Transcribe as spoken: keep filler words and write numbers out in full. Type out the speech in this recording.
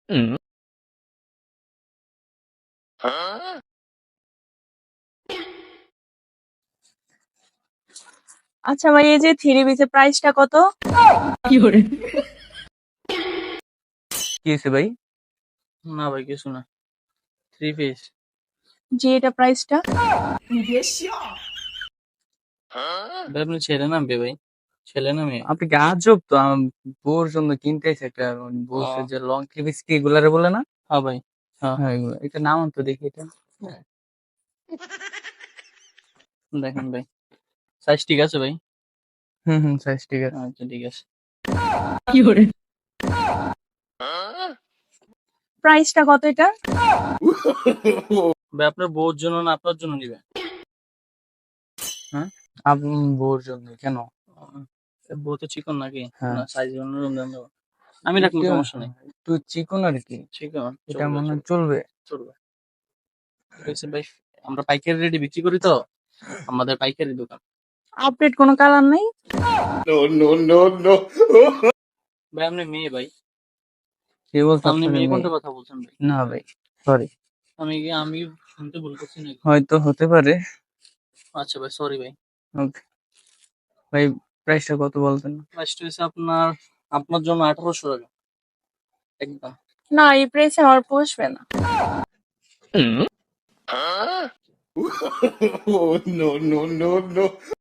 আচ্ছা ভাই, এই যে থ্রি পিসের প্রাইসটা কত? কি করে? কি হয়েছে ভাই? না ভাই কিছু না। Three piece. জি, এটা প্রাইসটা। ভাই আপনি ছেলে না মেয়ে ভাই? ছেলে না মেয়ে? আপনি কি আজব তো, আম, বউর জন্য কিনতে এসে একটা বলছে যে লং থ্রি পিস কি এগুলারে বলে না? হ্যাঁ ভাই। হ্যাঁ হ্যাঁ এগুলো, এটা নাম তো দেখি এটা। দেখেন ভাই, সাইজ ঠিক আছে ভাই? হুম হুম সাইজ ঠিক আছে। আচ্ছা ঠিক আছে। কি করে? প্রাইসটা কত এটা? ভাই আপনার বউর জন্য না আপনার জন্য নিবে? হ্যাঁ আপনি বউর জন্য কেন? বউ তো চিকন নাকি? হ্যাঁ। না সাইজ অন্যরকম দাম দেবো। আমি রাখবো, একটু- সমস্যা নেই। একটু চিকন আর কি, চিকন এটা চলবে, মনে হয় চলবে, চলবে। চলবে। ঠিক আছে ভাই, আমরা পাইকারি রেটে বিক্রি করি তো, আমাদের পাইকারি দোকান। আপডেট কোনো কালার নেই? ভাই আপনি মেয়ে ভাই? কে বলছে আপনি আপনাকে মেয়ে মেয়ে? কোনটা কথা বলছেন ভাই? না ভাই, সরি। আমি কি আমি শুনতে ভুল করছি নাকি? হয়তো হতে পারে। আচ্ছা ভাই, সরি ভাই। ওকে ভাই, প্রাইসটা কত বলতেন? প্রাইসটা হচ্ছে আপনার আপনার জন্য আঠারোশো টাকা একদম। না, এই প্রাইসে আমার পোষবে না। Oh no no no no!